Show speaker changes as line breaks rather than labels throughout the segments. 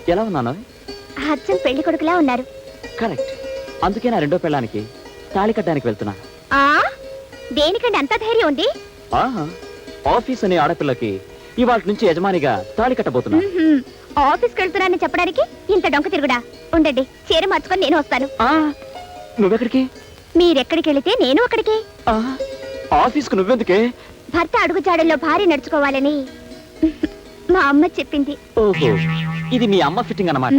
ఎలా ఉన్నాను?
అచ్చం పెళ్లి కొడుకులా ఉన్నారు.
కరెక్ట్. అందుకే నా రెండో పెళ్ళానికి తాళి కట్టడానికి వెళ్తున్నా.
ఆ దేనికండి అంత ధైర్యం ఉంది?
ఆహా, ఆఫీస్ అనే ఆడపిల్లకి ఇవాళ నుంచి యజమానిగా తాళి కట్టబోతున్నా.
ఆఫీస్కి వెళ్తున్నానని చెప్పడానికి ఇంత డొంక తిరుగుడా? ఉండండి, చీర మార్చుకొని నేను వస్తాను.
నువ్వెక్కడికి?
మీరెక్కడికి వెళితే నేను అక్కడికి.
ఆఫీస్కు నువ్వెందుకే?
భర్త అడుగుజాడల్లో భార్య నడుచుకోవాలని మా అమ్మ చెప్పింది.
ఓహో, ఇది మీ అమ్మ ఫిట్టింగ్ అన్నమాట.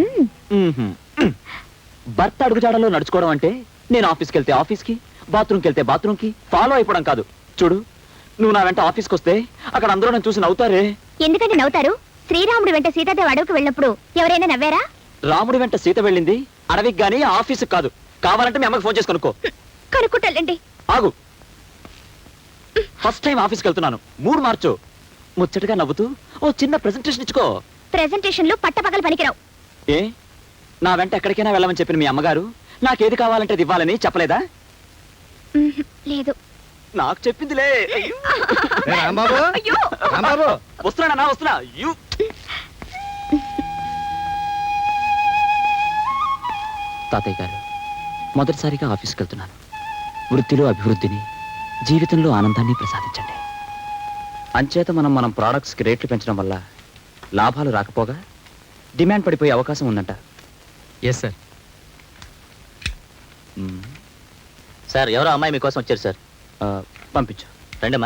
భర్త అడుగుజాడల్లో నడుచుకోవడం అంటే నేను ఆఫీస్కి వెళ్తే ఆఫీస్కి, బాత్రూమ్కి వెళ్తే బాత్రూమ్కి ఫాలో అయిపోవడం కాదు. చూడు, నువ్వు నా వెంట ఆఫీస్కి వస్తే అక్కడ అందరూ నన్ను చూసి నవ్వుతారే.
ఎందుకంటే నవ్వుతారు? శ్రీరాముడి వెంట సీతాదేవి అడవికి వెళ్ళినప్పుడు ఎవరైనా నవ్వారా?
రాముడి వెంట సీత వెళ్ళింది అడవికి గానీ ఆఫీస్కి కాదు. కావాలంటే మీ అమ్మకి ఫోన్ చేసి కనుక్కో.
కనుక్కుంటానండి.
ఆగు, ఫస్ట్ టైం ఆఫీస్కి వెళ్తున్నాను, మూడు మార్చు. ముచ్చటగా నవ్వుతూ ఓ చిన్న ప్రెజెంటేషన్ ఇచ్చుకో.
ప్రెజెంటేషన్లు పట్టపగలు పనికిరావు.
ఏ, నా వెంట ఎక్కడికైనా వెళ్ళమని చెప్పిన మీ అమ్మగారు నాకేది కావాలంటే అది ఇవ్వాలని చెప్పలేదా?
లేదు.
నాకు చెప్పిందిలే.
అయ్యో!
వస్తున్నా వస్తున్నా. తాతయ్య గారు, మొదటిసారిగా ఆఫీస్కి వెళ్తున్నాను. వృత్తిలో అభివృద్ధిని, జీవితంలో ఆనందాన్ని ప్రసాదించండి. అంచేత మనం ప్రోడక్ట్స్కి రేట్లు పెంచడం వల్ల లాభాలు రాకపోగా డిమాండ్ పడిపోయే అవకాశం ఉందంట.
Yes sir.
సార్, ఎవరో అమ్మాయి మీకోసం వచ్చారు సార్.
పంపించు.
రండమ్మా.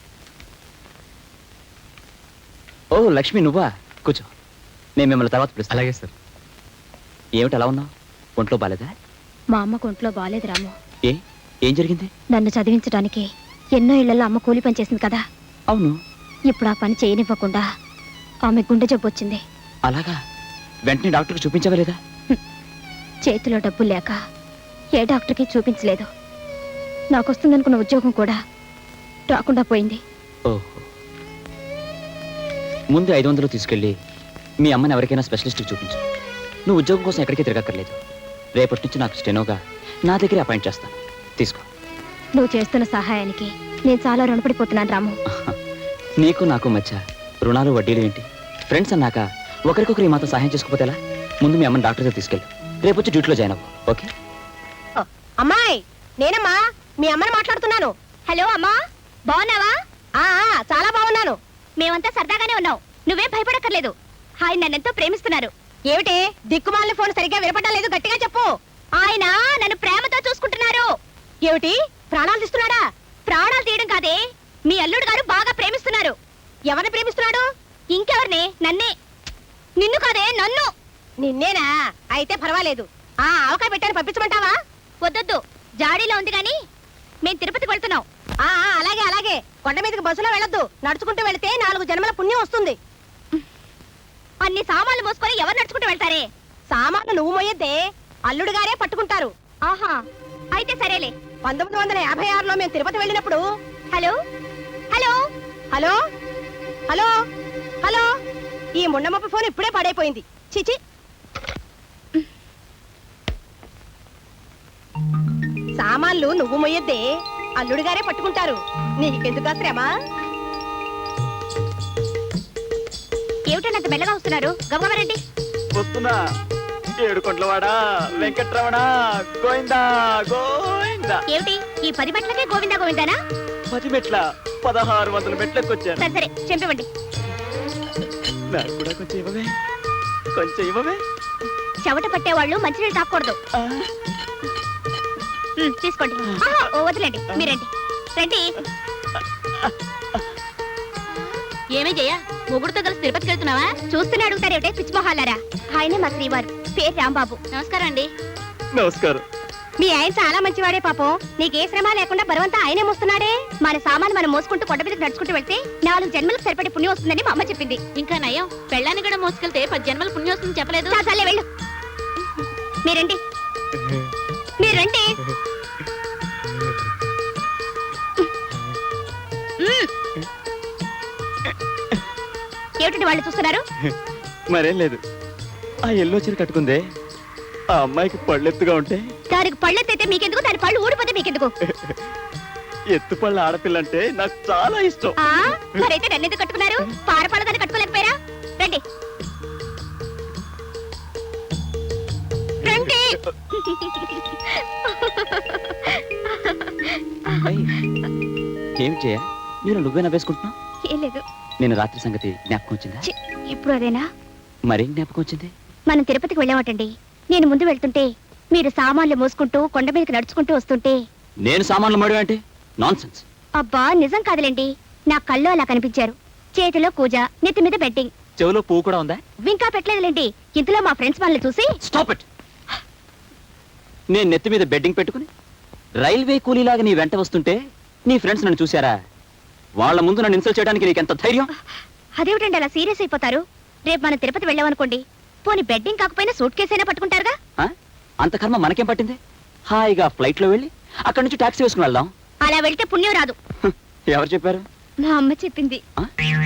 ఓ లక్ష్మి, నువ్వా? కూర్చో, నేను మిమ్మల్ని తర్వాత పిలుస్తాను.
అలాగే సార్.
ఏమిటి అలా ఉన్నావు? ఒంట్లో బాలేదా?
మా అమ్మకు ఒంట్లో బాలేదు రాము.
ఏం జరిగింది?
నన్ను చదివించడానికి ఎన్నో ఇళ్లలో అమ్మ కూలి పని చేసింది కదా.
అవును.
ఇప్పుడు ఆ పని చేయనివ్వకుండా ఆమె గుండె జబ్బు వచ్చింది.
అలాగా? వెంటనే డాక్టర్కి చూపించవలేదా?
చేతిలో డబ్బు లేక ఏ డాక్టర్కి చూపించలేదు. నాకు వస్తుందనుకున్న ఉద్యోగం కూడా రాకుండా పోయింది.
ఓహో, ముందు 500 తీసుకెళ్ళి మీ అమ్మని ఎవరికైనా స్పెషలిస్ట్కి చూపించు. నువ్వు ఉద్యోగం కోసం ఎక్కడికి తిరగక్కర్లేదు. రేపటి నుంచి నాకు స్టెనోగా నా దగ్గర అపాయింట్ చేస్తాను. తీసుకో.
నువ్వు చేస్తున్న సహాయానికి నేను చాలా రుణపడిపోతున్నాను రాము.
నీకు నాకు మధ్య రుణాలు వడ్డీలు ఏంటి? ఫ్రెండ్స్ అన్నాక ఒకరికొకరు ఈ మాత్రం సహాయం చేసుకోపోతే ఎలా? ముందు మీ అమ్మని డాక్టర్ దగ్గర తీసుకెళ్ళు. రేపు వచ్చి డ్యూటీలో జాయిన్ అవ్వు. ఓకే?
అమ్మాయి, నేనమ్మా మీ అమ్మని మాట్లాడుతున్నాను. హలో అమ్మా, బాగున్నావా? చాలా బాగున్నాను. మేమంతా సరదాగానే ఉన్నాం. నువ్వేం భయపడక్కర్లేదు. ఆయన నన్నెంతో ప్రేమిస్తున్నారు. ఏమిటి దిక్కుమాలిన ఫోన్ సరిగ్గా వినపడడం లేదు? గట్టిగా చెప్పు. ఆయన నన్ను ప్రేమతో చూసుకుంటున్నారు. ఏమిటి, ప్రాణాలు తీస్తున్నాడా? ప్రాణాలు తీయడం కాదే, మీ అల్లుడు గారు బాగా ప్రేమిస్తున్నారు. ఎవరిని ప్రేమిస్తున్నాడు? ఇంకెవరిని? నన్నే. నిన్ను కాదే, నన్ను. నిన్నేనా? అయితే పర్వాలేదు. ఆవకాయ పెట్టాను, పంపించమంటావా? వద్దొద్దు, జాడీలో ఉంది గాని మేం తిరుపతికి వెళ్తున్నాం. అలాగే అలాగే. కొండ మీదకి బస్సులో వెళ్ళొద్దు, నడుచుకుంటూ వెళితే 4 జన్మల పుణ్యం వస్తుంది. అన్ని సామాన్లు మోసుకొని ఎవరు నడుచుకుంటూ వెళ్తారే? సామాన్లు నువ్వు మోయొద్దే, అల్లుడు గారే పట్టుకుంటారు. ఆహా, అయితే సరేలే. 1956లో మేము తిరుపతి వెళ్ళినప్పుడు. Hello hello hello hello hello, ఈ ముండమప్ప ఫోన్ ఇప్పుడే పడైపోయింది. చిచి. సామాన్లు నువ్వు మొయ్యద్దే, అల్లుడు గారే పట్టుకుంటారు. నీకెందుకు శ్రమ? ఏమిటంత మెల్లగా వస్తున్నారు? గమగమరండి.
వస్తున్నా. ఏడుకొండలవాడా, వెంకట్రమణ, గోవిందా గోవిందా.
ఏమిటి ఈ 10 మెట్లకే గోవిందా గోవిందానా?
10 మెట్ల 1600 మెట్లెక్కొచ్చాను.
సరే చెంపివ్వండి.
నాకు కూడా కొంచెం ఇవ్వవే, కొంచెం ఇవ్వవే.
చెమట పట్టేవాళ్ళు మంచినీళ్ళు తాకూడదు. తీసుకోండి. వదిలేండి, మీరండి. రండి. ఏమే జయ, మొగుడుతో కలిసి తిరుపతికి వెళ్తున్నావా? చూస్తూనే అడుగుతారేమిటే పిచ్చిమొహాలారా. ఆయనే మా శ్రీవారు, పేరు రాంబాబు. నమస్కారం అండి.
నమస్కారం.
మీ ఆయన చాలా మంచివాడే పాపం. నీకే శ్రమ లేకుండా బరువంతా ఆయనే మోస్తున్నాడే. మన సామాను మనం మోసుకుంటూ కొండ మీదకి నడుచుకుంటూ వెళ్తే 4 జన్మలకు సరిపడే పుణ్యం వస్తుందని మా అమ్మ చెప్పింది. ఇంకా నయం, పెళ్ళాన్ని కూడా మోసుకెళ్తే 10 జన్మల పుణ్యం వస్తుందని చెప్పలేదు. చాలే వెళ్ళు. మీరండి, మీరండి. ఏమిటండి వాళ్ళు చూస్తున్నారు?
మరేం లేదు. ఆ ఎల్లో చీర కట్టుకుందే, ఆ అమ్మాయికి పళ్ళెత్తుగా ఉంటే.
దానికి పళ్ళెత్తైతే మీకెందుకు? దాని పళ్ళు ఊడిపోతే మీకెందుకు?
ఎత్తుపళ్ళ ఆడపిల్ల అంటే నాకు చాలా ఇష్టం.
మరైతే నన్నెందుకు కట్టుకున్నారు? పారపాల దాన్ని కట్టుకోలేకపోయారా? రండి.
ఏం చేయ నేను నువ్వే నవ్వేసుకుంటున్నావు?
ఏం లేదు.
నేను రాత్రి సంగతి జ్ఞాపకం వచ్చిందా?
ఛీ, ఇప్పుడు అదేనా?
మరేం జ్ఞాపకం వచ్చింది?
మనం తిరుపతికి వెళ్ళామటండి. నేను ముందు వెళ్తుంటే మీరు సామాన్లు మోసుకుంటూ కొండ మీదకి నడుచుకుంటూ వస్తుంటే
నేను సామాన్లు మడి అంటే నాన్సెన్స్.
అబ్బా నిజం కాదులేండి, నా కళ్ళు అలా కనిపించారు. చేతిలో కూజ, నెత్తి మీద బెట్టింగ్.
చెవిలో పువ్వు కూడా ఉందా?
ఇంకా పెట్టలేదులేండి. ఇంతలో మా ఫ్రెండ్స్ మనల్ని చూసి
స్టాప్ ఇట్. నేను నెత్తి మీద బెడ్డింగ్ పెట్టుకుని రైల్వే కూలీలాగా నీ వెంట వస్తుంటే నీ ఫ్రెండ్స్ నన్ను చూశారా? వాళ్ళ ముందు నన్ను ఇన్సల్ట్ చేయడానికి నీకు ఎంత ధైర్యం?
అదేమిటండి అలా సీరియస్ అయిపోతారు? రేపు మనం తిరుపతి వెళ్ళామనుకోండి, పోనీ బెడ్డింగ్ కాకపోయినా సూట్ కేసు అయినా పట్టుకుంటారుగా.
ఆ? అంత కర్మ మనకేం పట్టింది? హాయిగా ఫ్లైట్ లో వెళ్ళి అక్కడి నుంచి టాక్సీ వేసుకుని వెళ్దాం.
అలా వెళ్తే పుణ్యం రాదు.
హ, ఎవరు చెప్పారు?
మా అమ్మ చెప్పింది.
ఆ?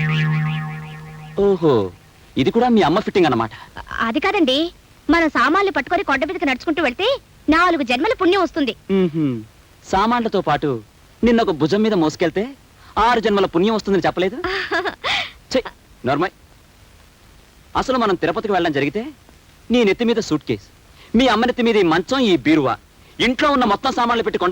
ఓహో, ఇది కూడా మీ అమ్మ ఫిట్టింగ్ అన్నమాట.
అది కాదండి, మనం సామాన్లు పట్టుకొని కొండ మీదకి నడుచుకుంటూ వెళ్తే 4 జన్మల పుణ్యం వస్తుంది.
మ్మ్హ్మ్. సామాన్లతో పాటు నిన్న ఒక భుజం మీద మోసుకెళ్తే 6 జన్మల పుణ్యం వస్తుందని చెప్పలేదు? నార్మల్. అసలు మనం తిరుపతికి వెళ్ళడం జరిగితే నీ నెత్తి మీద సూట్ కేస్, మీ అమ్మ నెత్తి మీద ఈ మంచం, ఈ బీరువా, ఇంట్లో ఉన్న మొత్తం సామాన్లు పెట్టి కొండ